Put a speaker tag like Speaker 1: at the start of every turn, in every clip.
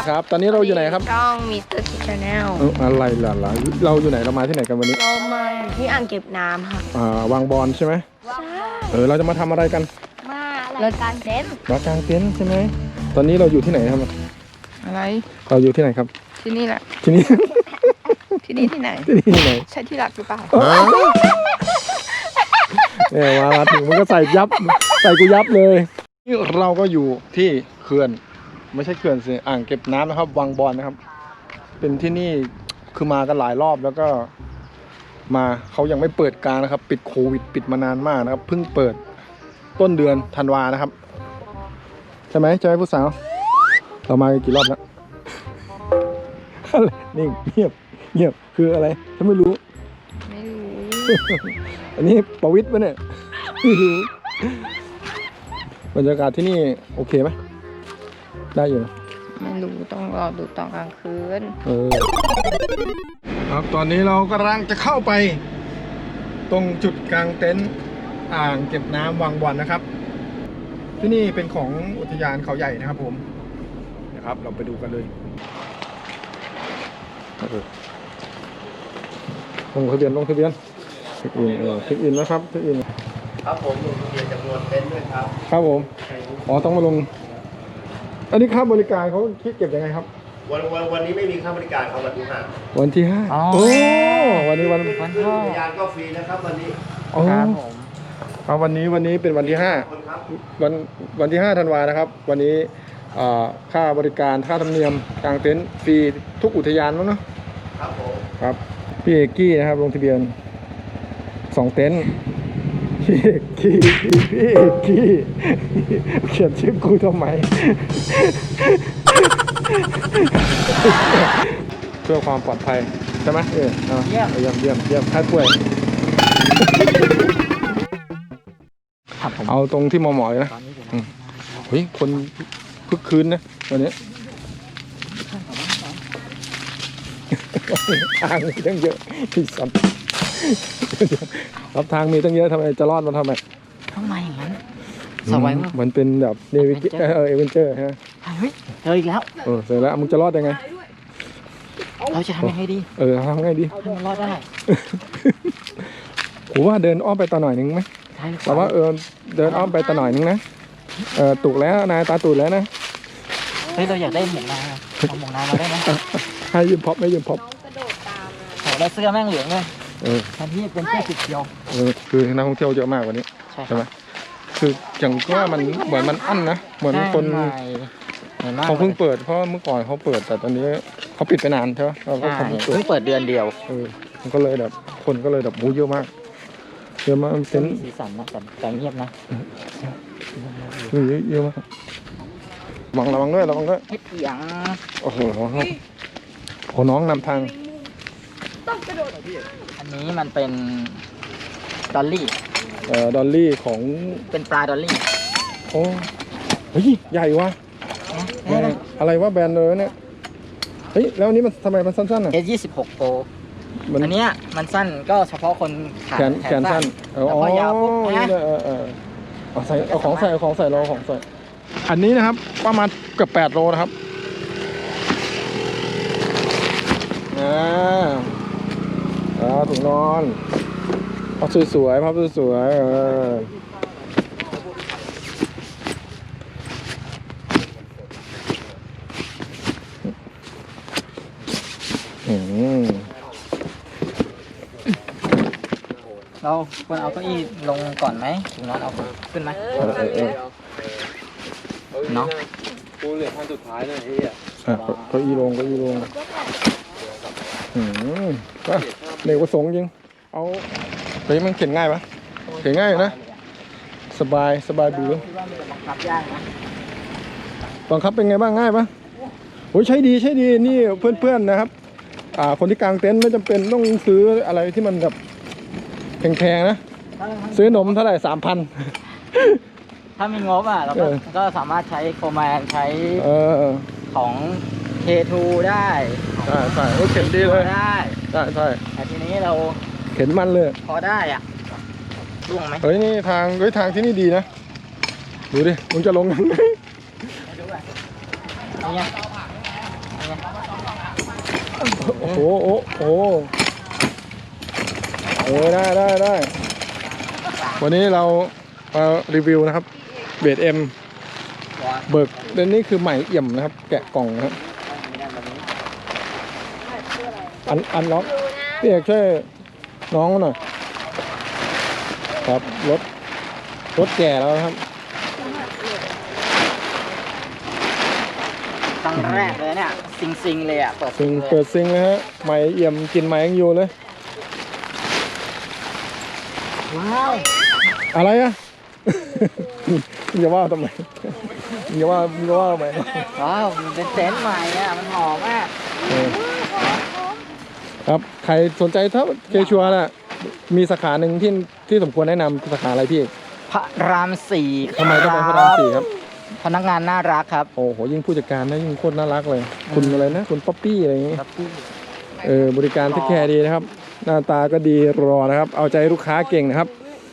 Speaker 1: ครับตอนนี้เราอยู่ไหนครับ
Speaker 2: ช่องมิสเตอร์คิดชาแนล
Speaker 1: อะไรล่ะเราอยู่ไหนเรามาที่ไหนกันวันนี้
Speaker 2: เรามาที่อ่างเก็บน้ำค่ะ
Speaker 1: วางบอลใช่ไหม
Speaker 2: ใช่
Speaker 1: เราจะมาทำอะไรกัน
Speaker 2: มาเรากางเต็นท์
Speaker 1: ใช่ไหมตอนนี้เราอยู่ที่ไหนครับ
Speaker 2: อะไร
Speaker 1: เราอยู่ที่ไหนครับ
Speaker 2: ที่นี่แหละ
Speaker 1: ที่นี่
Speaker 2: ที่นี่ที่ไหน
Speaker 1: ที่ไหน
Speaker 2: ใช่ที่หลักหรือเปล่า
Speaker 1: มาถึงมันก็ใส่กูยับเลยนี่เราก็อยู่ที่เขื่อนไม่ใช่เขื่อนสิอ่างเก็บน้ำนะครับวังบอลนะครับเป็นที่นี่คือมากันหลายรอบแล้วก็มาเขายังไม่เปิดการนะครับปิดโควิดปิดมานานมากนะครับเพิ่งเปิดต้นเดือนธันวานะครับใช่ไหมผู้สาวเรามากี่รอบแล้วนิ่งเงียบคืออะไรฉันไม่รู้อันนี้ประวิตรปะเนี่ยไม่รู้บรรยากาศที่นี่โอเคไหมได้อยู่นะ
Speaker 2: ไม่รู้ต้องรอดูตอนกลางคืน
Speaker 1: ครับตอนนี้เรากำลังจะเข้าไปตรงจุดกลางเต็นท์อ่างเก็บน้ำวังบอลนะครับที่นี่เป็นของอุทยานเขาใหญ่นะครับผมนะครับเราไปดูกันเลยลงทะเบียนเช็คอินนะครับเช็คอิน
Speaker 3: ครับผมลงทะเบียนจำนวนเต็นท์ด้วยครับ
Speaker 1: ครับผมต้องมาลงอันนี้ค่าบริการเขาคิดเก็บยังไงครับ
Speaker 3: วันนี้ไม่มีค่าบริการครับวันที่5
Speaker 1: วันที่5โอ้วันนี้วัน
Speaker 3: พ่อยานก็ฟรีนะครับวันนี้
Speaker 1: ครับผมวันนี้เป็นวันที่5วันที่5ธันวานะครับวันนี้ค่าบริการค่าธรรมเนียมกางเต็นท์ฟรีทุกอุทยานมั้งเนาะ
Speaker 3: ครับผม
Speaker 1: ครับพี่เอกกี้นะครับลงทะเบียน2เต็นท์พี่เอกกี้เขียนชื่อกูทำไมเพื่อความปลอดภัยใช่ไหมเยี่ยมใครป่วยเอาตรงที่หมอเลยนะเฮ้ยคนคึกคืนนะวันนี้ทางมีตั้งเยอะที่สัมรับทางมีตั้งเยอะทำไมจะรอดมาทำไม
Speaker 2: อย่างนั้นสบายมาก
Speaker 1: เหมือนเป็นแบบเนวิเกเอเวนเจอร์ฮะ
Speaker 2: เฮ้ยเจออีกแล้ว
Speaker 1: เสร็จแล้วมึงจะรอดยังไง
Speaker 2: เราจะทำยังไงดี
Speaker 1: ทำไงดี
Speaker 2: ให้มันรอดได้
Speaker 1: ผมว่าเดินอ้อมไปต่อหน่อยนึงไหมแต่ว่าเดินอ้อมไปต่อหน่อยนึงนะตุกแล้วนายตาตุกแล้วนะ
Speaker 2: เฮ้ยเราอยากได้หมวกนาเอาหมวกนามาได้ไหม
Speaker 1: ให้ยืมพ็อปไม่ยืมพ็อป
Speaker 2: แล้วเสื้อแม่งเหลืองเลยแทนที่เป็นเสื้อสีเขียว
Speaker 1: คือนักท่องเที่ยวเยอะมากวันนี้ใช่ไหมคืออย่างว่ามันเหมือนมันอั้นนะเหมือนคนเขาเพิ่งเปิดเพราะเมื่อก่อนเขาเปิดแต่ตอนนี้เขาปิดไปนานใช่ไหมเราก็
Speaker 2: เพิ่งเปิดเดือนเดียว
Speaker 1: มันก็เลยแบบคนก็เลยแบบมูเยอะมากเป็น
Speaker 2: สีสันนะแต่เงียบนะ
Speaker 1: เยอะมากระวังด้วย
Speaker 2: อย่าง
Speaker 1: โอ้โหน้องนำทาง
Speaker 2: อันนี้มันเป็นดอลลี่
Speaker 1: ของ
Speaker 2: เป็นปลาดอลลี่
Speaker 1: โอ้เฮ้ยใหญ่ว่ะอะไรวะแบรนด์เลยเนี่ยเฮ้ยแล้วอันนี้มันทำไมมันสั้นๆอ่ะ
Speaker 2: S26 Pro อันเนี้ยมันสั้นก็เฉพาะคน
Speaker 1: แขนสั้น
Speaker 2: แล้วก็ยาวปุ๊บนะ
Speaker 1: เอาของใส่อันนี้นะครับประมาณเกือบ8 โลนะครับถุงนอนพับสวย
Speaker 2: เราควรเอาเก้าอี้ลงก่อนไหมถุงนอนเอาขึ้นไหมเนาะ
Speaker 3: กูเหลือขั้นสุดท้ายเลย
Speaker 1: เก้าอี้ลงก็เด็กประสงค์จริงเอาเฮ้ยมันเข็นง่ายปะเข็นง่ายอยู่นะสบายบื้อบังคับเป็นไงบ้างง่ายปะโอ้ยใช้ดีนี่เพื่อนๆนะครับคนที่กางเต็นท์ไม่จำเป็นต้องซื้ออะไรที่มันแบบแพงๆนะซื้อนมเท่าไหร่ 3,000
Speaker 2: ถ้ามีงบเราก็สามารถใช้โคแมนใช้ของ K2 ได้
Speaker 1: ใช่เข็นดีเลย
Speaker 2: ได้แต่ทีนี้เรา
Speaker 1: เข็นมันเลย
Speaker 2: พอได้ล่วงไหม
Speaker 1: เฮ้ยนี่ทางที่นี่ดีนะดูดิมึงจะลงยังไงโอ้โหโอ้โหได้วันนี้เรามารีวิวนะครับเบสเอ็มเบิกเดนนี่คือใหม่เอี่ยมนะครับแกะกล่องนะครับอันล็อกพี่เอกช่วยน้องหน่อยครับรถแก่แล้วครับ
Speaker 2: ครั้งแรกเลยเนี่ยซิงเลยอ่ะเปิด
Speaker 1: ซิง
Speaker 2: เลย
Speaker 1: เปิดซิงนะฮะใหม่เอี่ยมกินใหม่ยังอยู่เลย
Speaker 2: ว้าว
Speaker 1: อะไรอ่ะ อย่าว่าทำไมอย่าว่าทำไม
Speaker 2: ว้าวมันเป็นเซนต์ใหม่อ่ะมันหอมมาก
Speaker 1: เออครับใครสนใจถ้าเคชัวร์น่ะมีสาขาหนึ่งที่สมควรแนะนำสาขาอะไรพี่
Speaker 2: พระรามสี่
Speaker 1: ทำไมต้องเป็นพระรามสี่ครับ
Speaker 2: พนักงานน่ารักครับ
Speaker 1: โอ้โหยิ่งผู้จัดการนะยิ่งโคตรน่ารักเลย คุณอะไรนะคุณป๊อปปี้อะไรอย่างงี้บริการเทคแคร์ดีนะครับ หน้าตาก็ดีรอนะครับ เอาใจลูกค้าเก่งนะครับ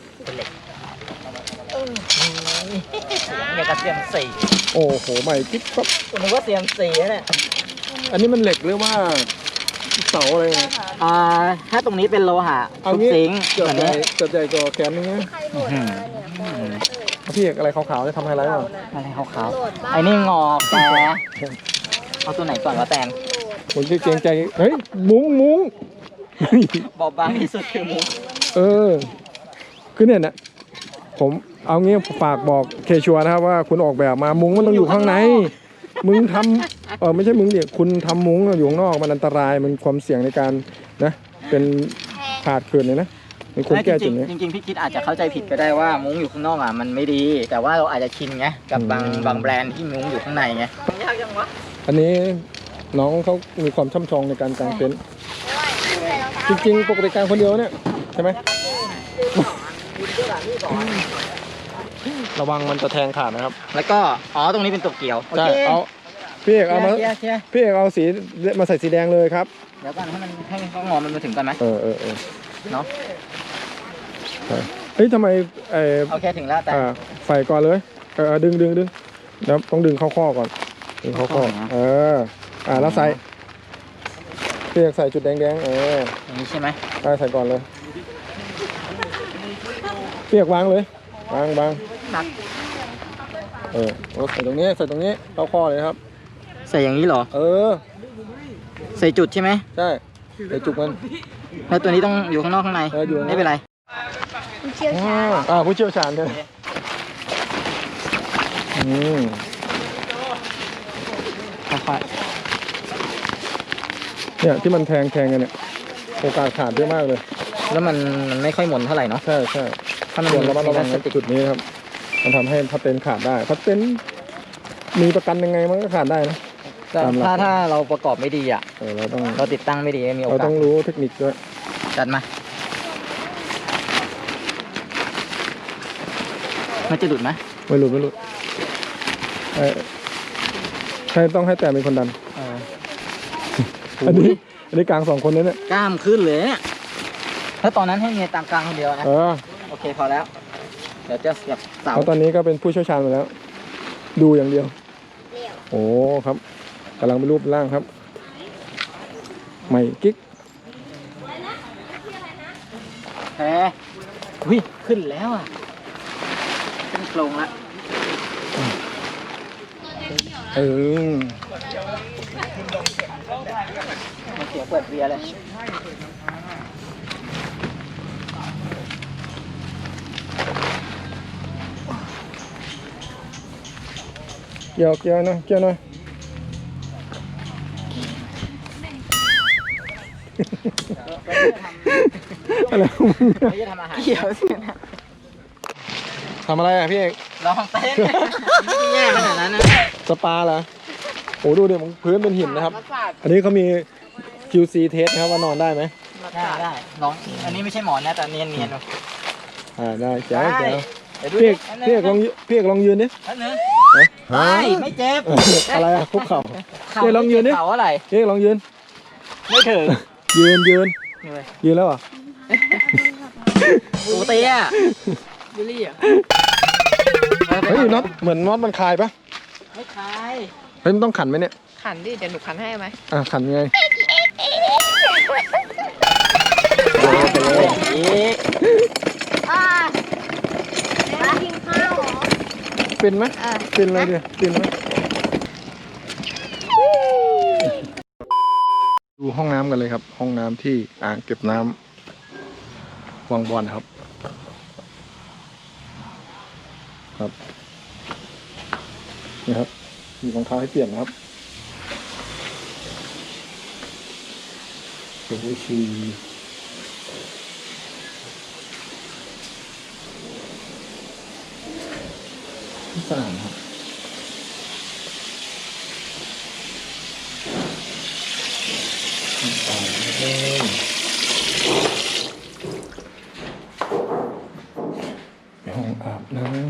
Speaker 2: เนี่ยกระเทียมสี่
Speaker 1: โอ้โหใหม่กิ๊บปั๊บ
Speaker 2: คุณนึกว่าเทียมสี่เนี่ย
Speaker 1: อันนี้มันเหล็กหรือว่าเสาอะไรเนี่ย
Speaker 2: ถ้าตรงนี้เป็นโลหะ
Speaker 1: เอา
Speaker 2: ทุก
Speaker 1: งี้
Speaker 2: ซิงค์
Speaker 1: เกือบ
Speaker 2: แบบ
Speaker 1: ใหญ่
Speaker 2: นี้
Speaker 1: เกือบใหญ่กว่าแขนนึงนะพี่เอกอะไรขาวๆจะทำไฮไลท์ป่ะ
Speaker 2: อะไรขาวๆไอ้นี่งอกแต่เอาตัวไหนก่อนวะแตน
Speaker 1: ผมที่เกรงใจเฮ้ยมุ้ง
Speaker 2: บอบบางที่สุดคือมุ้ง
Speaker 1: คือเนี่ยนะผมเอางี้ฝากบอกเคชัวนะครับว่าคุณออกแบบมามุ้งมันต้องอยู่ข้างในมึงทำไม่ใช่มึงดิคุณทำมุ้งอยู่ข้างนอกมันอันตรายมันความเสี่ยงในการนะเป็นขาดเกินเลยนะมันควรแก้จุดนี้
Speaker 2: จริงๆพี่คิดอาจจะเข้าใจผิดก็ได้ว่ามุ้งอยู่ข้างนอกอ่ะมันไม่ดี แต่ว่าเราอาจจะชินไงกับบางแบรนด์ที่มุ้งอยู่ข้างในไงยากจังวะ
Speaker 1: อันนี้น้องเขามีความช่ำชองในการกางเต็นท์จริงๆปกติกางคนเดียวเนี่ยใช่ไหมระวังมันจะแทงขาดนะครับ
Speaker 2: แล้วก็ตรงนี้เป็นตัวเกี่ยวโอ
Speaker 1: ใช่
Speaker 2: เค
Speaker 1: เอาพี่เอกเอามา
Speaker 2: เคลียร์
Speaker 1: พี่เอกเอาสีมาใส่สีแดงเลยครับ
Speaker 2: เดี๋ยวก่อนให้เขางอมันมาถึงก่อนไหม
Speaker 1: เออ
Speaker 2: เนาะ
Speaker 1: เฮ้ยทำไม
Speaker 2: โอเคถึงแล้วแต่
Speaker 1: ใส่ก่อนเลยดึงแล้วต้องดึงเข้าข้อก่อนดึงเข้าข้อแล้วใส่พี่เอกใส่จุดแดง
Speaker 2: อย่างนี้ใช่ไหม
Speaker 1: ใส่ก่อนเลยพี่เอกวางเลยวาง
Speaker 2: นัก
Speaker 1: ใส่ตรงนี้เข้าข้อเลยครับ
Speaker 2: ใส่อย่างนี้เหรอใส่จุดใช่ไหม
Speaker 1: ใช่ใส่จุกมัน
Speaker 2: แล้วตัวนี้ต้องอยู่ข้างนอกข้างใน
Speaker 1: อยู่
Speaker 2: ไม่เป็นไร
Speaker 4: ผู้เชี่ยวชาญ
Speaker 1: ผู้เชี่ยวชาญกัน
Speaker 2: ค่อย
Speaker 1: เนี่ยที่มันแทงกันเนี่ยโอกาสขาดเยอะมากเลย
Speaker 2: ๆแล้วมันไม่ค่อยหมุนเท่าไหร่เนาะ
Speaker 1: ใช่
Speaker 2: ถ้ามัน
Speaker 1: ส่วนระมัดระวัง
Speaker 2: พลาสติก
Speaker 1: จุดนี้ครับมันทำให้พัดเต็นท์ขาดได้พัดเต็นท์มีประกันยังไงมันก็ขาดได้นะ
Speaker 2: ถ้าเราประกอบไม่ดีอ่ะ เราติดตั้งไม่ดีมีโอ
Speaker 1: เรา
Speaker 2: กา
Speaker 1: ต้
Speaker 2: ส
Speaker 1: องรู้เทคนิคด้วย
Speaker 2: จัดมามันจะหลุดไหม
Speaker 1: ไม่หลุดใช่ต้องให้แต่เป็นคนดันอันนี้กลาง2 คนนี้เนี่ย
Speaker 2: กล้ามขึ้นเลยเนี่ยถ้าตอนนั้นให้เมียตามกลางคนเดียวนะโอเคพอแล้วเดี๋ยวจะเสียบเสา
Speaker 1: เพราะตอนนี้ก็เป็นผู้เชี่ยวชาญไปแล้ว ดูอย่างเดียวโอ้ครับกำลังเป็นรูปร่างครับใหม่กิ๊ก
Speaker 2: แพ้ขึ้นแล้วอ่ะขึ้นโครงละ มันเสียเปิดเบียร์เลย
Speaker 1: เกี่ยวหน่อยอะไรของมึง
Speaker 2: ไม่จะทำอาหารเกี่ยวสินะ
Speaker 1: ทำอะไรอ่ะพี่เอก
Speaker 2: ลองเต้นไม่ได้แย่ขนาดนั้นนะ
Speaker 1: สปาเหรอโอ้ดูเดี๋ยวพื้นเป็นหินนะครับ อันนี้เขามี QC test นะครับว่านอนได้ไหม
Speaker 2: ได้ลองอันนี้ไม่ใช่หมอนนะแต่เนียนๆดู
Speaker 1: ได้แจ๋ว
Speaker 2: เดี๋ยวดู
Speaker 1: พี่เอกลองยืนดิ
Speaker 2: อันนึงไม่เจ็บ
Speaker 1: อะไรอ่ะคุกเข่าพี่เอกลองยืนดิ
Speaker 2: เข่าอะไร
Speaker 1: พี่เอกลองยืน
Speaker 2: ไม่ถึง
Speaker 1: ยืน
Speaker 2: นี่เว้ย
Speaker 1: ยืนแล้วเหรอ่ะ
Speaker 2: ปูเตี้ยบุลี่อ่ะ
Speaker 1: เฮ้ยน็อตเหมือนน็อตมันคลายปะ
Speaker 2: ไม่คลาย
Speaker 1: เฮ้ยมันต้องขันไหมเนี่ย
Speaker 4: ขันดิ เดี๋ยวหนูขันให้ไหม
Speaker 1: ขันไง
Speaker 2: อีก
Speaker 4: อ่าแล้วกินข้าวเหรอ
Speaker 1: เป็นไหมเป็นอะไรเนี่ยเป็นไหมดูห้องน้ำกันเลยครับ ห้องน้ำที่อ่างเก็บน้ำวังบอนครับนี่ครับมีรองเท้าให้เปลี่ยนนะครับโอ้โหชีสะอาดครับห้องอาบน้ำ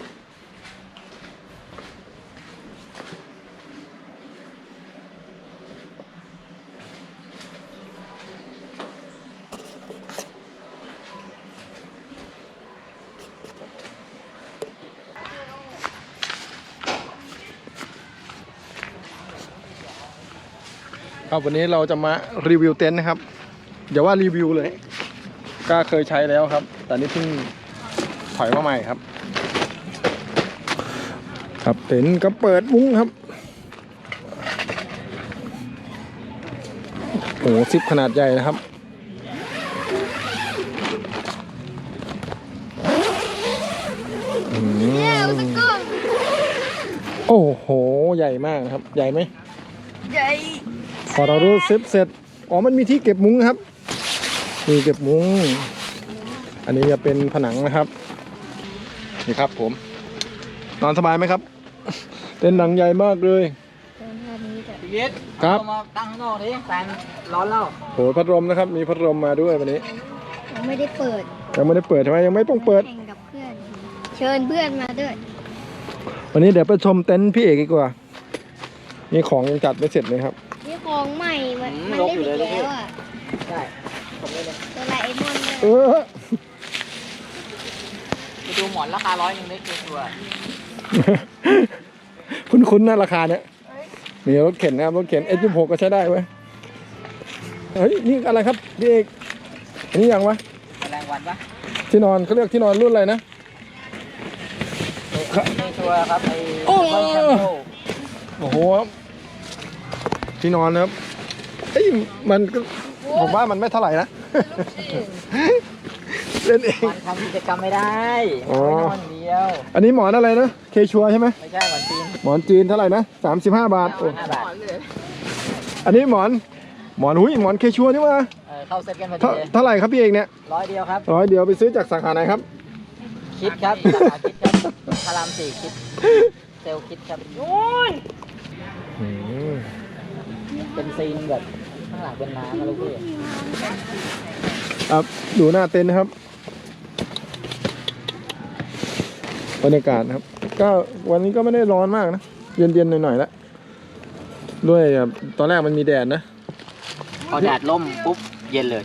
Speaker 1: ครับวันนี้เราจะมารีวิวเต็นท์นะครับอย่าว่ารีวิวเลยก็เคยใช้แล้วครับแต่นี่เพิ่งถอยมาใหม่ครับครับเต็นท์ก็เปิดมุ้งครับโอ้โหซิปขนาดใหญ่นะครับโอ้โหใหญ่มากนะครับใหญ่ไหม
Speaker 4: ใหญ่
Speaker 1: พอเรารู้ซิปเสร็จอ๋อมันมีที่เก็บมุ้งครับมีเก็บมุ้งอันนี้จะเป็นผนังนะครับนี่ครับผมนอนสบายไหมครับเต็นท์หลังใหญ่มากเลย
Speaker 2: ชีวิต
Speaker 1: ครับ
Speaker 2: เอามาตั้งข้างนอกดิแฟนร้อนแล้ว
Speaker 1: โหพัดลมนะครับมีพัดลมมาด้วยวันนี้
Speaker 4: ยังไม่ได้เปิด
Speaker 1: ยังไม่ได้เปิดใช่ไหมยังไม่ต้องเปิด
Speaker 4: แข่งกับเพื่อน เชิญเพื่อนมาด้วย
Speaker 1: วันนี้เดี๋ยวไปชมเต็นท์พี่เอกดีกว่านี่ของยังจัดไม่เสร็จเลยครับ
Speaker 4: นี่ของใหม่ มันเล่นอีกแล้วอ่ะ
Speaker 2: ใช่ผมเลย
Speaker 4: ตัวไลเอมอนเลย
Speaker 1: เออ
Speaker 2: ไปดูหมอนราคา100ได้ตัว
Speaker 1: คุ้นๆนะราคาเนี้ยมีรถเข็นนะครับรถเข็น S26 ก็ใช้ได้เว้ยเฮ้ยนี่อะไรครับพี่เอกอันนี้ยังวะ
Speaker 2: แรงวันปะ
Speaker 1: ที่นอนเขาเรียกที่นอนรุ่นอะไรนะ
Speaker 2: ในตัวครับไอ้
Speaker 1: โอ้
Speaker 2: ซุปเปอร์แชมโป
Speaker 1: โอ้โหที่นอนนะครับเอ้ยมันก็ผมว่ามันไม่เท่าไหร่นะ เล่นเอง
Speaker 2: มันทำกิจกรรมไม่ได้
Speaker 1: อ๋อ
Speaker 2: ไม่นอนเดียว
Speaker 1: อันนี้หมอนอะไรนะเคชัวใช่ไหม
Speaker 2: ไม่ใช่หมอนจีน
Speaker 1: หมอนจีนเท่าไหร่นะ35 บาทโอ้
Speaker 2: 5 บาท
Speaker 1: อันนี้หมอนหุ้ยหมอนเคชัวนี่ว่า
Speaker 2: เข้าเซ็ตกันพอดี
Speaker 1: เท่าไหร่ครับพี่เอกเนี่ย
Speaker 2: 100 เดียวครับ
Speaker 1: 100 เดียวไปซื้อจากสาขาไหนครับ
Speaker 2: คิดครับสาขาคิดครับพาราม4คิดเซลล์คิดครับเป็นซีนแบบข้างหลังเป็นน้ำนะลูกพี่
Speaker 1: ครับดูหน้าเต็นท์นะครับบรรยากาศนะครับ ก็วันนี้ก็ไม่ได้ร้อนมากนะเย็นๆหน่อยๆแล้วด้วยตอนแรกมันมีแดดนะ
Speaker 2: พอแดดล่มปุ๊บเย็นเลย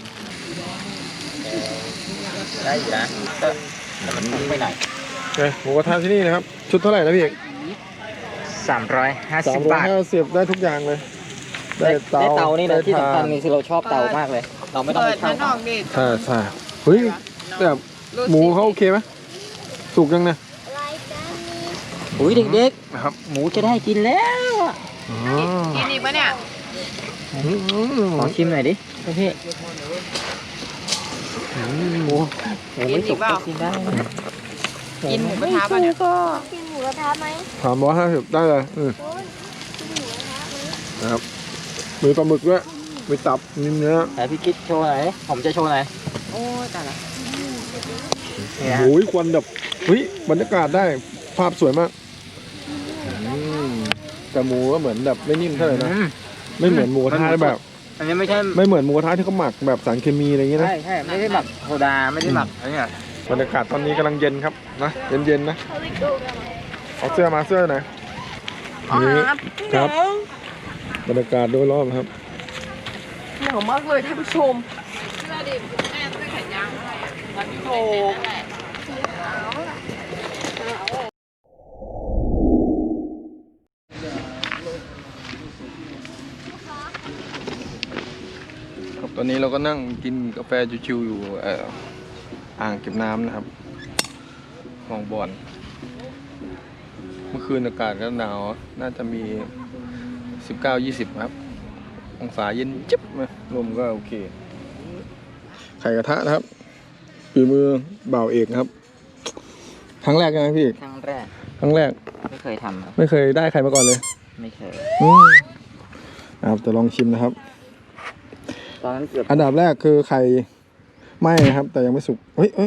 Speaker 2: ได้อยู่นะแต่มันพุ่งไปหน่อย
Speaker 1: หมูกระทะที่นี่นะครับ ชุดเท่าไหร่นะพี่เอก
Speaker 2: 350 บาท
Speaker 1: 350ได้ทุกอย่างเลย
Speaker 2: ได้เตานี่นะที่
Speaker 1: ได้
Speaker 2: สำคัญ
Speaker 1: ถ่าน
Speaker 2: นี่คือเราชอบเตามากเลย เราไม่ต้องไปเช่า
Speaker 1: ใช่ใช่เฮ้ยแบบหมูเขาโอเคไหมสุกยังเนี่ย
Speaker 4: รายการนี้
Speaker 2: อุ้ยเด็ก
Speaker 1: นะครับ
Speaker 2: ๆ หมูจะได้กินแล้วอะ
Speaker 5: กินอีกปะเนี่ย
Speaker 2: ขอชิมหน่อยดิพี่หมูไม่สุกก็กินได้นะ
Speaker 5: กินหมูกระทะปะเนี่ย
Speaker 4: กินหมูกระทะไหม
Speaker 1: 350ได้เลย
Speaker 4: คุณกินหมูกระทะไหม
Speaker 1: นะครับมีปลาหมึกด้วยมีตับมีเนื้อ
Speaker 2: แต่พี่คิดโชว์หน่อยผมจะโชว์หน่อย
Speaker 5: โอ้ยแต่ละ
Speaker 2: นี่นะ
Speaker 1: โอ้ยควันแบบเฮ้ยบรรยากาศได้ภาพสวยมากแต่หมูก็เหมือนแบบไม่นิ่มเท่าไหร่นะ ไม่เหมือนหมูกระทะแบบ
Speaker 2: อันนี้ไม่ใช่
Speaker 1: ไม่เหมือนหมูกระทะที่เขาหมักแบบสารเคมีอะไรอย่างเงี้ยนะ
Speaker 2: ใช่ไม่ได้หมักโซดาไม่ได้หมักอะไรเนี่ย
Speaker 1: บรรยากาศตอนนี้กำลังเย็นครับนะเย็นๆนะเอาเสื้อมาเสื้อไหนนี่ครับบรรยากาศโดยรอบครับ
Speaker 5: หนาวมากเลยท่านผู้ชมโอ้
Speaker 1: อนนี้เราก็นั่งกินกาแฟชิวๆอยู่อ่างเก็บน้ำนะครับคลองบอนเมื่อคืนอากาศก็หนาวน่าจะมี 19-20 ครับองศาเย็นจิ๊บนะลมก็โอเคไข่กระทะนะครับฝีมือบ่าวเอกครับครั้งแรกใช่ไหมพี่
Speaker 2: ครั้งแรก
Speaker 1: ครั้งแรก
Speaker 2: ไม่เคยทำครับ
Speaker 1: ไม่เคยได้ไข่มาก่อนเลย
Speaker 2: ไม่เคย
Speaker 1: ครับจะลองชิมนะครับ
Speaker 2: ตอนนั้นเกือบ
Speaker 1: อันดับแรกคือไข่ไหม้นะครับ แต่ยังไม่สุกเฮ้ย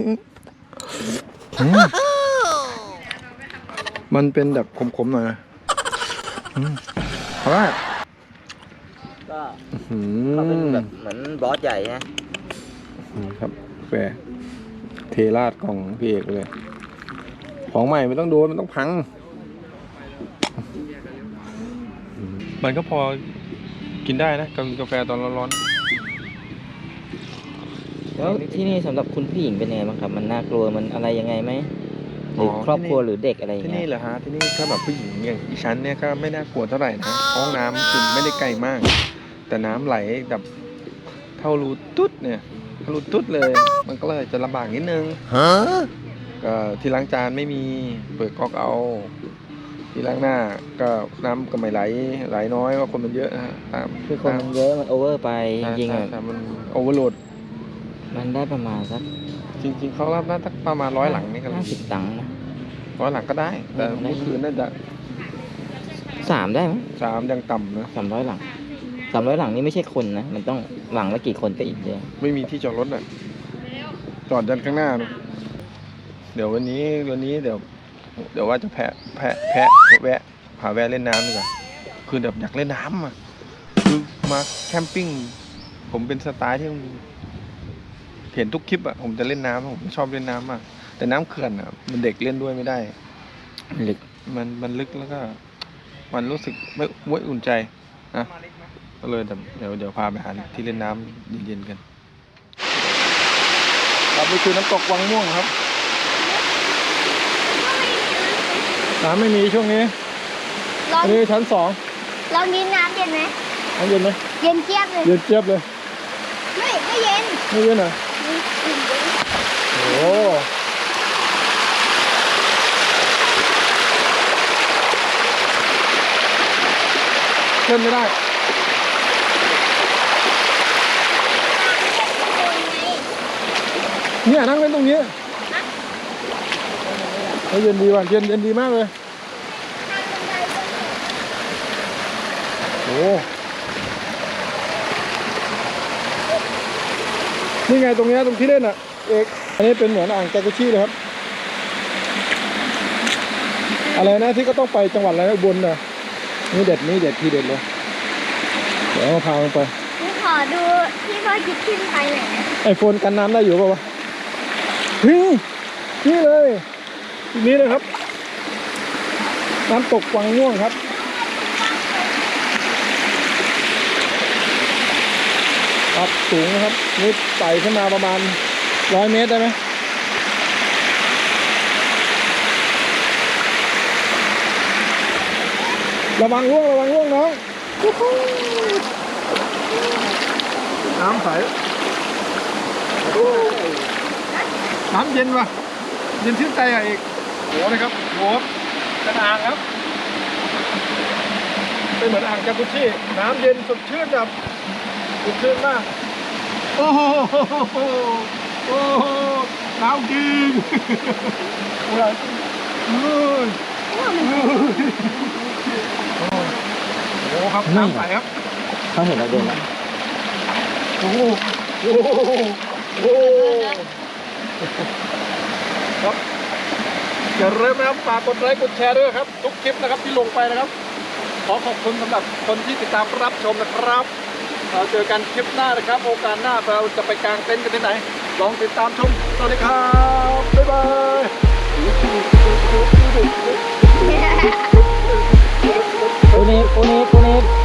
Speaker 1: มันเป็นแบบขมๆหน่อยนะเพราะว่า
Speaker 2: ก็เขาเป็นแบบเหมือนบอสใหญ่นะครับ
Speaker 1: กาแฟเทราดกล่องพี่เอกเลย ของใหม่ไม่ต้องโดนมันต้องพัง มันก็พอกินได้นะกับกาแฟตอนร้อน
Speaker 2: แล้วที่นี่สำหรับคุณผู้หญิงเป็นยังไงบ้างครับ มันน่ากลัวมันอะไรยังไงไหมหรือครอบครัวหรือเด็กอะไรอย่าง
Speaker 1: ที่
Speaker 2: เงี้
Speaker 1: นี่
Speaker 2: ย
Speaker 1: เหรอฮะที่นี่ถ้าแบบผู้หญิงอย่างดิฉันเนี่ยก็ไม่น่ากลัวเท่าไหร่นะห้องน้ำคือไม่ได้ไกลมาก แต่น้ำไหลแบบเท่ารูตุ๊ดเนี่ยเท่ารูตุ๊ดเลย มันก็เลยจะลำบากนิดนึงก็ที่ล้างจานไม่มีเปิดก๊อกเอา ที่ล้างหน้าก็น้ำก็ไม่ไหลน้อยว่าคนมันเยอะนะฮะตาม
Speaker 2: คือคนมันเยอะมันโอเวอร์ไปจริงๆ
Speaker 1: ใช่
Speaker 2: อะ
Speaker 1: ใช่มันโอเวอร์โหลด
Speaker 2: มันได้ประมาณสัก
Speaker 1: จริงๆเขารับได้สักประมาณ100 หลังนี่ครับ
Speaker 2: 50 ตังค์นะ
Speaker 1: 100 หลังก็ได้ แต่เมื่อคืนน่าจะ
Speaker 2: 3ได้ไหม
Speaker 1: 3ยังต่ำนะ
Speaker 2: 300 หลัง 300 หลังนี่ไม่ใช่คนนะ มันต้องหลังละกี่คนก็อีกเยอะ
Speaker 1: ไม่มีที่จอดรถอ่ะจอดยันข้างหน้านะเดี๋ยววันนี้เดี๋ยวว่าจะแวะพาแวะเล่นน้ำดีกว่าคือแบบอยากเล่นน้ำอ่ะคือมาแคมปิ้งผมเป็นสไตล์ที่เห็นทุกคลิปอ่ะผมจะเล่นน้ำผมชอบเล่นน้ำมากแต่น้ำเขื่อนอ่ะมันเด็กเล่นด้วยไม่ได้
Speaker 2: ลึก
Speaker 1: มันลึกแล้วก็ มันรู้สึกไม่อุ่นใจนะก็เลยแต่เดี๋ยวพาไปหาที่เล่นน้ำเย็นๆกันครับนี่คือน้ำตกวังม่วงครับน้ำไม่มีช่วงนี้
Speaker 4: ลอง
Speaker 1: อันนี้ชั้น2
Speaker 4: ลองกินน้ำเย็นไหม
Speaker 1: น้ำเย็นไหม
Speaker 4: เย็นเจี๊ยบเลย
Speaker 1: เย็นเจี๊ยบเลย
Speaker 4: ไม่เย็น
Speaker 1: ไม่เย็นเหรอโอ้เล่นไม่ได้เนี่ยนั่งเล่นตรงนี้เย็นดีว่ะเย็นดีมากเลยโอ้นี่ไงตรงนี้ตรงที่เล่นอ่ะเอกอันนี้เป็นเหมือนอ่างจากุชิเลยครับอะไรนะที่ก็ต้องไปจังหวัดอะไรนะอุบลน่ะนี่เด็ดทีเด็ดเลยเดี๋ยวพาลงไป
Speaker 4: หนูขอดูที่พ่อจิบขึ้นไปหน่อยนะ
Speaker 1: ไอโฟนกันน้ำได้อยู่ป่าวะนี่เลยนี่เลยครับน้ำตกวังม่วงครับครับสูงนะครับนี่ไต่ขึ้นมาประมาณ100 เมตรได้ไหมระวังร่วงน้องน้ำใสน้ำเย็นว่ะเย็นชื่นใจอ่ะเอกโหนะครับโหเป็นอ่างครับเป็นเหมือนอ่างจากุชิน้ำเย็นสดชื่นแบบสดชื่นมากโอ้โหน้ำจริงโอ้ยโอ้ครับน้ำใสครับ
Speaker 2: เขาเห็นเราเดินแล้ว
Speaker 1: โอ้ครับอย่าลืมนะครับฝากกดไลค์กดแชร์ด้วยครับทุกคลิปนะครับที่ลงไปนะครับขอขอบคุณสำหรับคนที่ติดตามรับชมนะครับเราเจอกันคลิปหน้านะครับโอกาสหน้าเราจะไปกางเต็นท์กันที่ไหนลองติดตามชมสวัสดีครับบ๊ายบาย
Speaker 2: โอเนฟ